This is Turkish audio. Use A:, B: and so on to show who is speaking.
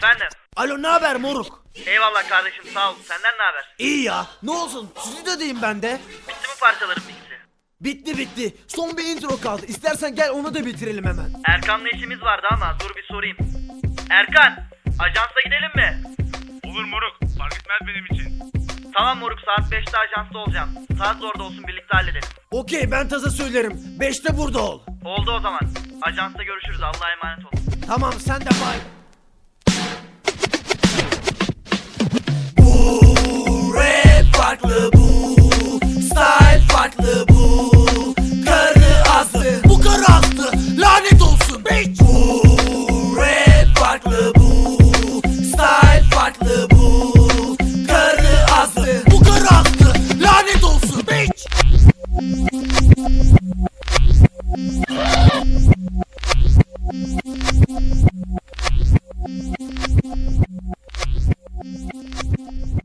A: Efendim?
B: Alo, ne haber moruk?
A: Eyvallah kardeşim, sağ ol. Senden ne haber?
B: İyi ya. Ne olsun, stüdyodayım ben de.
A: Bitti mi parçaların mixi?
B: Bitti. Son bir intro kaldı. İstersen gel onu da bitirelim hemen.
A: Erkan'la işimiz vardı ama dur bir sorayım. Erkan, ajansa gidelim mi?
C: Olur moruk, fark etmez benim için.
A: Tamam moruk, saat 5'te ajansta olacağım. Saat orada olsun, birlikte halledelim.
B: Okey, ben taza söylerim. 5'te burada ol.
A: Oldu o zaman. Ajansta görüşürüz, Allah'a emanet ol.
B: Tamam, sen de bay. Bu rap farklı, bu style farklı, bu karı azdı, bu karı azdı, lanet olsun bitch. Bu rap farklı, bu style farklı, bu karı azdı, bu karı azdı, lanet olsun bitch.